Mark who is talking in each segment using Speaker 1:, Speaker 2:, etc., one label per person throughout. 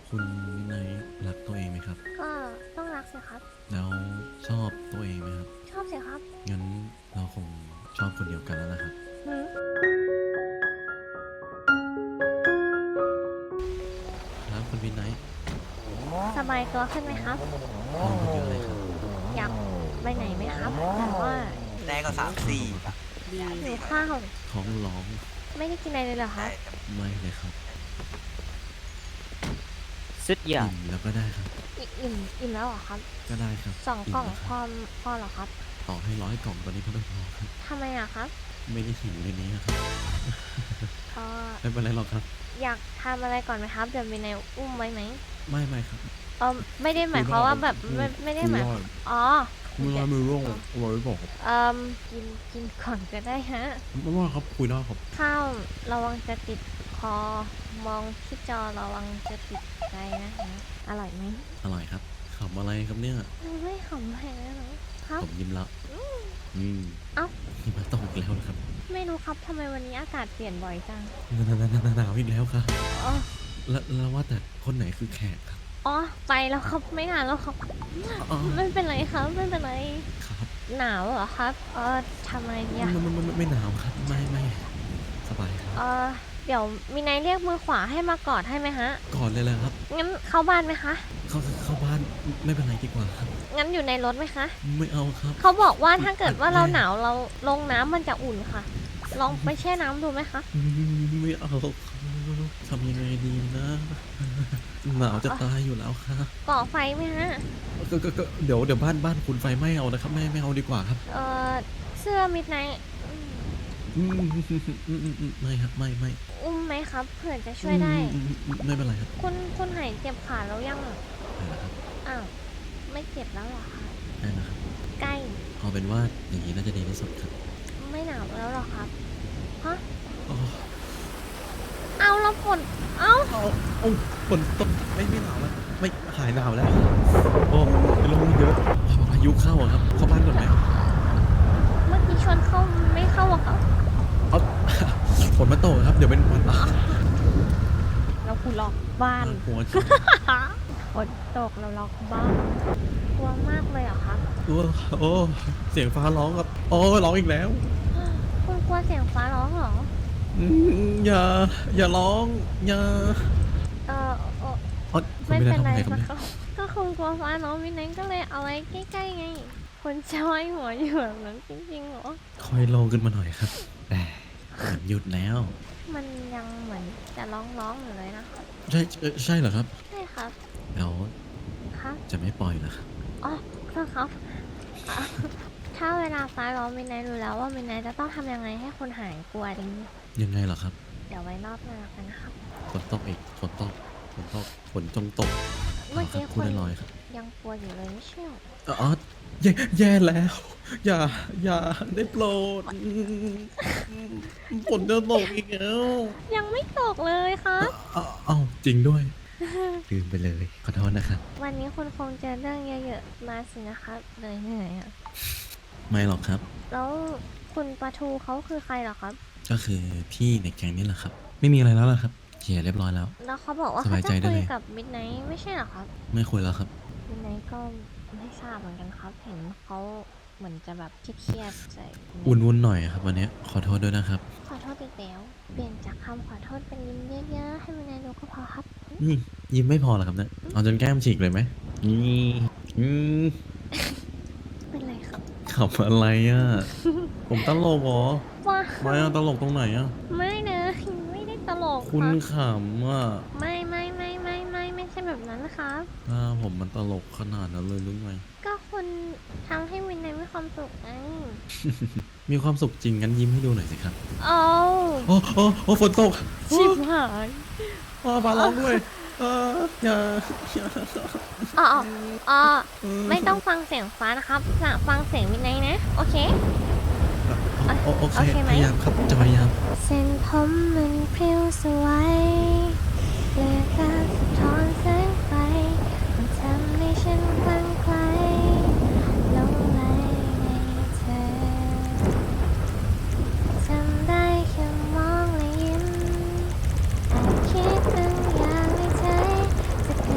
Speaker 1: คุณวินัยรักตัวเองไหมครับ
Speaker 2: ก็ต้องรักสิครับ
Speaker 1: แล้วชอบตัวเองไหมครับ
Speaker 2: ชอบสิครับ
Speaker 1: งั้นเราคงชอบคนเดียวกันแล้วนะครับ
Speaker 2: หืม
Speaker 1: ครับคุณวินัย
Speaker 2: สบายตัวขึ้นไหมครับ
Speaker 1: ลองคนเยอะเลยครับ
Speaker 2: อยากไปไหนไหมครับแต่ว่า
Speaker 3: แรกก็3-4
Speaker 2: หิวข้าว
Speaker 1: ท้องร้อง
Speaker 2: ไม่ได้กินอะไรเลยเหรอครับ
Speaker 1: ไม่เลยครับ
Speaker 4: สุดยอ
Speaker 1: อิ่
Speaker 4: ด
Speaker 1: มแล้วก็ได้ครับ
Speaker 2: อิ่มแล้วเหรอครับ
Speaker 1: ก็ได้ครับ
Speaker 2: 2 กล่อง
Speaker 1: มแล้ว
Speaker 2: พ
Speaker 1: ค
Speaker 2: อ
Speaker 1: รับ
Speaker 2: พอเหรอครับ
Speaker 1: ต่อให้100 กล่องตอนนี้ก็ไม่พอครับ
Speaker 2: ทำไมอะครับ
Speaker 1: ไม่ได้หิวในนี้ครับ
Speaker 2: เออ
Speaker 1: ไม่เป็นไรหรอกครับ
Speaker 2: อยากทำอะไรก่อนไหมครับเดี๋ยวมีในอุ้มไว้ไหม
Speaker 1: ไม่ครับ
Speaker 2: ไม่ได้หมายความว่าแบบไม่ได้หมายอ๋อ
Speaker 1: คุยได้มือร่วงอร่อยไม่บอกครับ
Speaker 2: กินก่อนก็ได้ฮะ
Speaker 1: ไม่ว่าครับคุยได้ครับ
Speaker 2: ข้าวระวังจะติดคอ มองที่จอระวังจะติดใจนะฮะอร่อยไหม
Speaker 1: อร่อยครับขำอะไรครับเนี่ย
Speaker 2: ไม่ขำแพงนะครับ
Speaker 1: ผมยิ้มแล้ว
Speaker 2: เอ้า
Speaker 1: หิมะตกอีกแล้วเหรอครับ
Speaker 2: ไม่รู้ครับทำไมวันนี้อากาศเปลี่ยนบ่อยจัง
Speaker 1: หนาวอีกแล้วครับ
Speaker 2: อ๋อ
Speaker 1: แล้วว่าแต่คนไหนคือแขกครับ
Speaker 2: อ๋อไปแล้วครับไม่นานแล้วครับ
Speaker 1: อ๋อ
Speaker 2: ไม่เป็นไรครับไม่เป็นไร
Speaker 1: ครับ
Speaker 2: หนาวเหรอครับทำไมเนี่ย
Speaker 1: ไม่หนาวครับไม่สบายครับ
Speaker 2: เดี๋ยวมีนายเรียกมือขวาให้มากอดให้ไหมฮะ
Speaker 1: ก่อนเลยแหละครับ
Speaker 2: งั้นเข้าบ้านไหมคะ
Speaker 1: เข้าบ้านไม่เป็นไรดีกว่าครับ
Speaker 2: งั้นอยู่ในรถไหมคะ
Speaker 1: ไม่เอาครับ
Speaker 2: เขาบอกว่าถ้าเกิดว่าเราหนาวเราลงน้ำมันจะอุ่นค่ะ ลองไปแช่น้ำดูไหมคะ
Speaker 1: ไม่เอาครับทำยังไงดีนะหนาวจะตายอยู่แล้วครับ
Speaker 2: ก่อไฟไหมฮะ
Speaker 1: ก็เดี๋ยวบ้านคุณไฟไหม้เอานะครับไม่เอาดีกว่าครับ
Speaker 2: เสื้อมิดไนท์
Speaker 1: ไม่ครับไม่
Speaker 2: อุ้มไหมครับเผื่อจะช่วยได้
Speaker 1: ไม่เป็นไรครับ
Speaker 2: คุณหายเจ็บขาแล้วยัง
Speaker 1: ได้แล้วครับ
Speaker 2: อ้าวไม่เจ็บแล้วเหรอคะ
Speaker 1: ได้แล้วครับ
Speaker 2: ใกล้
Speaker 1: เอาเป็นว่าอย่างนี้น่าจะดีที่สุดครับ
Speaker 2: ไม่หนาวแล้วเหรอครับฮะ
Speaker 1: อ๋อ
Speaker 2: เอาแล้วฝนเอ้า
Speaker 1: เอาฝนตกไม่หนาวแล้วไม่หายหนาวแล้ว โอ้เป็นลมเยอะพายุเข้าอะครับ เข้าบ้านก่อนไหม
Speaker 2: เมื่อกี้ชวนเข้าไม่เข้าอะครับ
Speaker 1: เอา ฝนมาตกครับ เดี๋ยวเป็นวันตาย
Speaker 2: เราคุณล็อกบ้าน
Speaker 1: หัว
Speaker 2: ฝนตกเราล็อกบ้านกลัวมากเลยเหรอครับ
Speaker 1: โอ้เสียงฟ้าร้องครับโอ้ร้องอีกแล้ว
Speaker 2: คุณกลัวเสียงฟ้าร้องเหรอ
Speaker 1: อย่าร้องอย่า
Speaker 2: เออ
Speaker 1: คุณ
Speaker 2: ไม่
Speaker 1: ไม่ได้
Speaker 2: เป็น
Speaker 1: ทำ
Speaker 2: ไร
Speaker 1: อะไรครับ
Speaker 2: นะ
Speaker 1: เนี่ย
Speaker 2: ครับก็คงกลัวฟ้าน้องวินัยก็เลยเอาไว้ใกล้ๆไงคนจะไว้หัวอยู่แบบนั้นจริงๆเหรอ
Speaker 1: ค่อยลงขึ้นมาหน่อยครับแต่หยุดแล้ว
Speaker 2: มันยังเหมือนจะร้องอยู่เลยนะคะ
Speaker 1: ใช่เหรอครับ
Speaker 2: ใช่ครับ
Speaker 1: แล้ว
Speaker 2: ครับ
Speaker 1: จะไม่ปล่อยเหรอครับ
Speaker 2: อ๋อโทษครับอ่ะถ้าเวลาฟ้าร้องวินัยรู้แล้วว่าวินัยจะต้องทำยังไงให้คนหายกลัวดี
Speaker 1: ยังไงเหรอครับ
Speaker 2: เดี๋ยวไว้รอบหน้ากันนะครับ
Speaker 1: ฝนตกอีกฝนตกฝนจงตก
Speaker 2: เมื่อกี้
Speaker 1: พู
Speaker 2: คุ
Speaker 1: ด
Speaker 2: ณ
Speaker 1: ลอยๆครับ
Speaker 2: ยังกลัวอยู่เลยไม่ใช่เหรอ
Speaker 1: อ๋อแย่แล้ว อย่าได้โปรดฝนจะตกอีกแล้ว
Speaker 2: ยังไม่ตกเลยครับ
Speaker 1: เอ้าจริงด้วยลืมไปเลยขอโทษนะครับ
Speaker 2: วันนี้คุณคงเจอเรื่องเยอะๆมาสินะครับเลยเหนื่อยอ่ะ
Speaker 1: ไม่หรอกครับ
Speaker 2: แล้วคุณปะทูเขาคือใครเหรอครับ
Speaker 1: ก็คือพี่ในแก๊งนี่แหละครับ ไม่มีอะไรแล้วล่ะครับเคลียร์เรียบร้อยแล้ว
Speaker 2: แล้วเขาบอกว่า
Speaker 1: ส
Speaker 2: เขา
Speaker 1: บายใจ
Speaker 2: จะ
Speaker 1: ได้
Speaker 2: คุ
Speaker 1: เลย ย
Speaker 2: กับมิดไนท์ไม่ใช่เหรอครับ
Speaker 1: ไม่คุยแล้วครับ
Speaker 2: มิดไนท์ก็ไม่ทราบเหมือนกันครับ เห็นเขาเหมือนจะแบบเครียดๆใส่คุณไนท์
Speaker 1: วุ่นหน่อยครับวันนี้ขอโทษด้วยนะครับ
Speaker 2: ขอโทษอีกแล้วเปลี่ยนจากคำขอโทษเป็นยิ้มเยอะๆให้มิดไนท์ดูก็พอครับ
Speaker 1: นี่ยิ้มไม่พอเหรอครับเนี่ยเอาจนแก้มฉีกเลยไหมนี่ม
Speaker 2: เป็นไรครับ
Speaker 1: ขำอะไรอ่ะ ผมตลกเหรอ
Speaker 2: ว้า
Speaker 1: ไม่อะตลกตรงไหนอ่ะ
Speaker 2: ไม่นะไม่ได้ตลก
Speaker 1: คุณ
Speaker 2: รับ
Speaker 1: ขำอ่ะ
Speaker 2: ไม่ใช่แบบนั้นนะครับ
Speaker 1: ผมมันตลกขนาดนั้นเลยหรือไง
Speaker 2: ก็คุณทำให้วินไนท์มีความสุขไง
Speaker 1: มีความสุขจริงงั้นยิ้มให้ดูหน่อยสิครับ
Speaker 2: เอา
Speaker 1: โอ้ฝนตก
Speaker 2: ชิบหาย
Speaker 1: ฟ้าร้องด้วยอย่า
Speaker 2: อ๋อไม่ต้องฟังเสียงฟ้านะครับฟังเสียงวินไนท์นะ โอเค
Speaker 1: โอเค
Speaker 2: โอเคไหม
Speaker 1: พยายามครับจะพยายาม
Speaker 2: เส้นผมมันพริ้วสวยเกลือการสะท้อนแสงไฟมันทำให้ฉันคลั่งไคล้หลงไหลในเธอทำได้แค่มองและยิ้มอาจคิดบางอย่างในใจจะ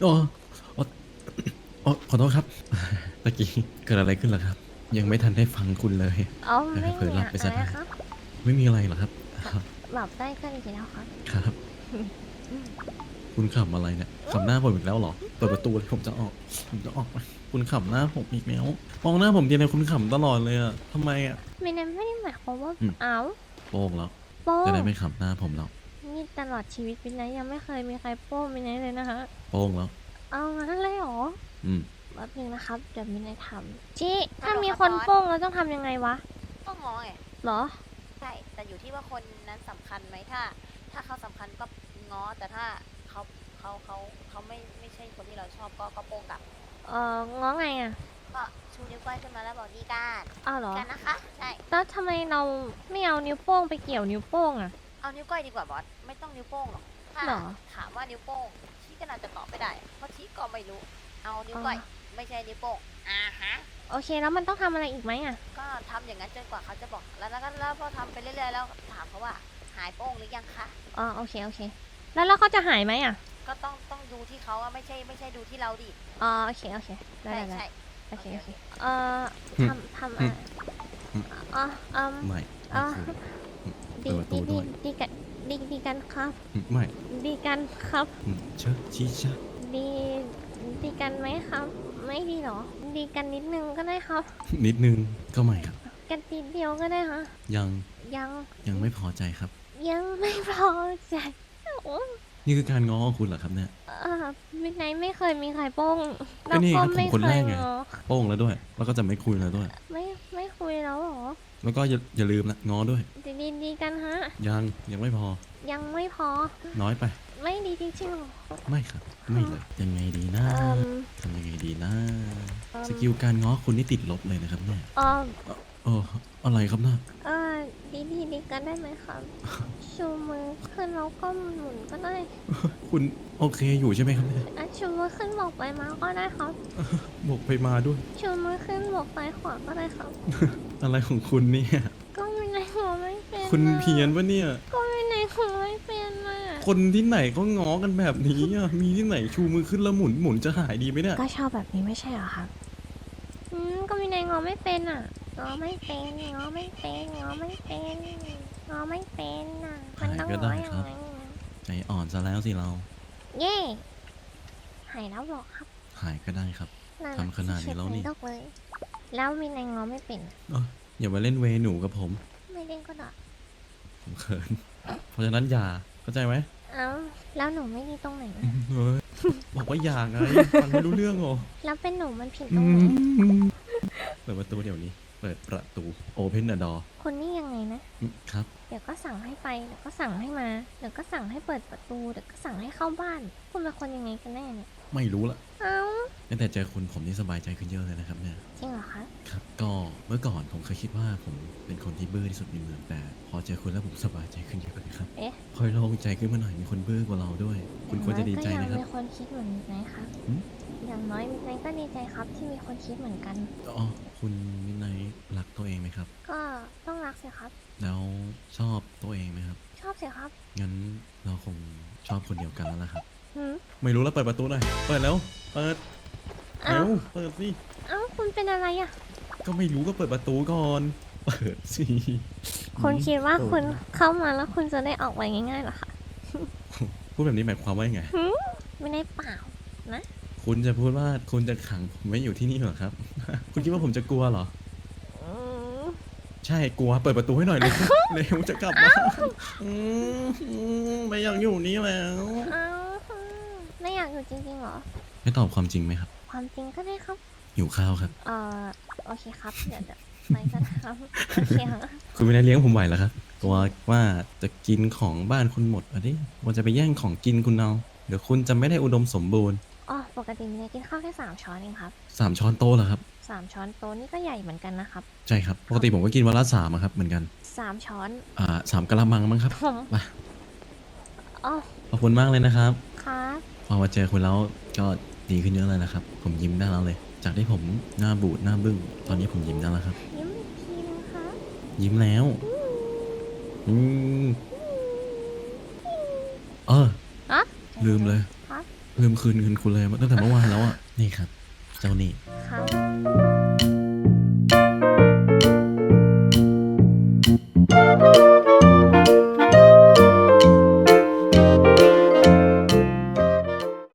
Speaker 1: โอ้โอ้โอ้ขอโทษครับตะกี้เกิดอะไรขึ้นล่ะครับ ยังไม่ทันได้ฟังคุณเลย
Speaker 2: เอาไม่
Speaker 1: เผลอ
Speaker 2: มี
Speaker 1: หลับไปซะ
Speaker 2: อะไร
Speaker 1: ได้
Speaker 2: ครับ
Speaker 1: ไม่มีอะไรหรอกครับ
Speaker 2: หลับได้ก็ดีแล้วครับ
Speaker 1: ครับ คุณขำอะไรเนี่ยขำหน้าผมอีกแล้วเหรอเปิดประตูเลยผมจะออกไปคุณขำหน้าผมอีกแล้วมองหน้าผมทีไรคุณขำตลอดเลยอะทำไมอะ
Speaker 2: ไม่ได้หมายความว่า
Speaker 1: อืม
Speaker 2: เอา
Speaker 1: โป้งแล้ว
Speaker 2: โป้
Speaker 1: จะได้ไม่ขำหน้าผมแล้ว
Speaker 2: นี่ตลอดชีวิตเป็นไงยังไม่เคยมีใครโป้เป็นไงเลยนะคะ
Speaker 1: โป้งแล้ว
Speaker 2: เอางั้นเลยเหรอ
Speaker 1: อืม
Speaker 2: แป๊บนึงนะครับเดี๋ยวมีนายทำจี้ถ้ามีคนโป้งเราต้องทำยังไงวะ
Speaker 3: ก็งอไง
Speaker 2: เหรอ
Speaker 3: ใช่แต่อยู่ที่ว่าคนนั้นสำคัญไหมถ้าเขาสำคัญก็ง้อแต่ถ้าเขาไม่ใช่คนที่เราชอบก็โป้งกลับ
Speaker 2: ง้อไงอ่ะ
Speaker 3: ก็ชูนิ้วก้อยขึ้นมาแล้วบอกดีการ
Speaker 2: อ้าวเหรอ
Speaker 3: กันนะคะใช่
Speaker 2: แล้วทำไมเราไม่เอานิ้วโป้งไปเกี่ยวนิ้วโป้งอ่ะ
Speaker 3: เอานิ้วก้อยดีกว่าบอสไม่ต้องนิ้วโป้งหรอกถ้า
Speaker 2: หรอ
Speaker 3: ถามว่านิ้วโป้งชี้ก็น่าจะตอบไม่ได้เพราะชี้ก็ไม่รู้เอานิ้วก้อยไม่ใช่นิ้วโป้งฮะ
Speaker 2: โอเคแล้วมันต้องทำอะไรอีกไหมอ่ะ
Speaker 3: ก็ทำอย่างนั้นจนกว่าเขาจะบอกแล้วพอทำไปเรื่อยๆแล้วถามเขาว่าหายโป้งหรือยังคะ
Speaker 2: อ๋อโอเคแล้วเขาจะหายไหมอ่ะ
Speaker 3: ก็ต้องดูที่เขาอะไม่ใช่ดูที่เราดิ
Speaker 2: อ๋อโอเคได้
Speaker 3: ใช่
Speaker 2: โอเค
Speaker 3: โอเค
Speaker 2: เอ่อทำอะไรอ๋อ
Speaker 1: ไม่
Speaker 2: อ๋อ
Speaker 1: คุย
Speaker 2: ดี
Speaker 1: เปิดประตูด้วย
Speaker 2: ดีกันครับ
Speaker 1: ไม่
Speaker 2: ดีกันครับ
Speaker 1: เชิดชี้ชะ
Speaker 2: ดีกันไหมครับ ไม่ดีหรอ ดีกันนิดนึงก็ได้ครับ
Speaker 1: นิดนึงก็ไม่ครับ
Speaker 2: กันทีเดียวก็ได้ฮะ
Speaker 1: ยัง
Speaker 2: ยัง
Speaker 1: ไม่พอใจครับ
Speaker 2: ยังไม่พอใจโอ้
Speaker 1: นี่คือการง้อของคุณเหรอครับเนี่ย
Speaker 2: มิดไนท์ไม่เคยมีใครโป้ง
Speaker 1: ก็นี่ครับ
Speaker 2: ไม่
Speaker 1: ผมคนแรกไง
Speaker 2: ง้อ
Speaker 1: โป้งแล้วด้วย แล้วก็จะไม่คุยแล้วด้วย
Speaker 2: ไม่คุยแล้วเหรอ
Speaker 1: แล้วก็อย่าลืมนะง้อด้วย
Speaker 2: ดีกันฮะ
Speaker 1: ยังไม่พอ
Speaker 2: ยังไม่พอ
Speaker 1: น้อยไป
Speaker 2: ไม่ดีจริงๆหรอ
Speaker 1: ไม่ครับ ไม่เลย ยังไงดีนะ
Speaker 2: เอิ่ม
Speaker 1: ทำยังไงดีนะ สกิลการง้อคุณนี่ติดลบเลยนะครับเนี่ย
Speaker 2: เอ่อ
Speaker 1: เอออะไรครับน่ะ
Speaker 2: เออดีกันได้ไหมครับ ชูมือขึ้นแล้วก็หมุนก็ได้
Speaker 1: คุณโอเคอยู่ใช่ไหมครับเนี่ย
Speaker 2: ชูมือขึ้นบอกไปมาก็ได้ครับ
Speaker 1: บอกไปมาด้วย
Speaker 2: ชูมือขึ้นบอกไปขวาก็ได้ครับ
Speaker 1: อะไรของคุณเนี่ย
Speaker 2: ก็ไม่ในหัวไม่เป็น
Speaker 1: คุณ
Speaker 2: น่ะ
Speaker 1: เพี้ยนปะเนี่ย
Speaker 2: ก็ไม่ในหัวไม่เป็นน่ะ
Speaker 1: คนที่ไหนก็ง้อกันแบบนี้อ่ะ มีที่ไหนชูมือขึ้นแล้วหมุนจะหายดีไหมเนี่ย
Speaker 2: ก็ชอบแบบนี้ไม่ใช่เหรอครับ ก็มีในงอไม่เป็นอ่ะงอไม่เป็นน่ะมันต้องงออย่างไร
Speaker 1: ใจอ่อนซะแล้วสิเรา
Speaker 2: เย่หายแล้วหรอครับ
Speaker 1: หายก็ได้ครับ ทำขนาดนี้แล้วนี่
Speaker 2: เฉยๆเลยแล้วมีในงอไม่เป็น
Speaker 1: อย่ามาเล่นเวหนูกับผม
Speaker 2: ไม่เล่นก็ได้
Speaker 1: ผมเขิน เพราะฉะนั้นอย่า เข้าใจไหม
Speaker 2: เอ้าแล้วหนูไม่ดีตรงไหน
Speaker 1: เฮ้ยบอกว่าอย่าไง ฟังไม่รู้เรื่องเหรอ
Speaker 2: แล้วเป็นหนูมันผิดตรงไหน
Speaker 1: เปิดประตูเดี๋ยวนี้ เปิดประตู Open the door
Speaker 2: คนนี่ยังไงนะ
Speaker 1: ครับ
Speaker 2: เดี๋ยวก็สั่งให้ไป เดี๋ยวก็สั่งให้มา เดี๋ยวก็สั่งให้เปิดประตู เดี๋ยวก็สั่งให้เข้าบ้าน คุณเป็นคนยังไงกันแน่เนี่ย
Speaker 1: ไม่รู้ละ
Speaker 2: เอ้า
Speaker 1: ตั้งแต่เจอคุณผมนี่สบายใจขึ้นเยอะเลยนะครับเนี่ย
Speaker 2: จริงเหรอคะ
Speaker 1: ครับ ก็เมื่อก่อนผมเคยคิดว่าผมเป็นคนที่บื้อที่สุดในเมืองแต่ พอเจอคุณแล้วผมสบายใจขึ้นเยอะเลยครับ
Speaker 2: เอ๊ะ
Speaker 1: คอยโล่งใจขึ้นมาหน่อยมีคนบื้อกว่าเราด้วย คุณควรจะดีใจนะครับ
Speaker 2: อย่างน้อยก็ยังมีคนคิดเหมือนนายครับ
Speaker 1: หืม
Speaker 2: อย่างน้อยนายก็ดีใจครับที่มีคนคิดเหมือนกัน
Speaker 1: อ๋อคุณมินไนท์รักตัวเองไหมครับ
Speaker 2: ก็ต้องรักสิครับ
Speaker 1: แล้วชอบตัวเองไหมครับ
Speaker 2: ชอบสิครับ
Speaker 1: งั้นเราคงชอบคนเดียวกันแล้วล่ะครับ
Speaker 2: หืม
Speaker 1: ไม่รู้แล้วเปิดประตูหน่อย เปิดแล้ว เปิด
Speaker 2: เอ้า
Speaker 1: เร็วเปิดสิ
Speaker 2: เอ้าคุณเป็นอะไรอ่ะ
Speaker 1: ก็ไม่รู้ก็เปิดประตูก่อน เปิดสิ
Speaker 2: คุณคิดว่า
Speaker 1: เปิ
Speaker 2: คุณเข้ามาแล้วคุณจะได้ออกไปง่ายๆเหรอคะ
Speaker 1: พูดแบบนี้หมายความว่ายังไง
Speaker 2: ไม่ได้เปล่า
Speaker 1: คุณจะพูดว่าคุณจะขังผมไว้อยู่ที่นี่เหรอครับ คุณคิดว่าผมจะกลัวเหรอ
Speaker 2: อืม
Speaker 1: ใช่กลัว เปิดประตูให้หน่อยเลย เร็วจะกลับมาไม่อยากอยู่นี่แล้ว
Speaker 2: เอ้าไม่อยากอยู่จริงๆเหรอ
Speaker 1: ไม่ตอบความจริงไหมครับ
Speaker 2: ความจริงก็ได้ครับ
Speaker 1: หิวข้าวครับ
Speaker 2: โอเคครับ เดี๋ยวไปกันครับโอเคค่ะ
Speaker 1: คุณไม่ได้เลี้ยงผมไหวเหรอครับกลัวว่าจะกินของบ้านคุณหมดอ่ะดิกลัวจะไปแย่งของกินคุณเอาเดี๋ยวคุณจะไม่ได้อุดมสมบูรณ์
Speaker 2: อ๋อปกติมีนายกินข้าวแค่3 ช้อนเองครับ
Speaker 1: 3 ช้อนโต๊ะเหรอครับ
Speaker 2: 3 ช้อนโต๊ะนี่ก็ใหญ่เหมือนกันนะครับ
Speaker 1: ใช่ครับ ปกติผมก็กินวันละ3อะครับเหมือนกัน
Speaker 2: 3 ช้อน
Speaker 1: 3กะละมังมั้งครับ
Speaker 2: ผม
Speaker 1: มา
Speaker 2: อ๋อ
Speaker 1: ขอบคุณมากเลยนะครับ
Speaker 2: ครับ
Speaker 1: พอมาเจอคุณแล้วก็ดีขึ้นเยอะเลยนะครับ ผมยิ้มได้แล้วเลย จากที่ผมหน้าบูดหน้าบึ้งตอนนี้ผมยิ้มได้แล้วครับ
Speaker 2: ยิ้มอีกทีนึงครับ
Speaker 1: ยิ้มแล้วอืมเออ
Speaker 2: อ๋อ
Speaker 1: ลืมเลย
Speaker 2: ครับ
Speaker 1: ลืมคืนเงินคุณเลยตั้งแต่เมื่อวานแล้วอ่ะนี่ครับ เจ้าหนี่
Speaker 2: ครับ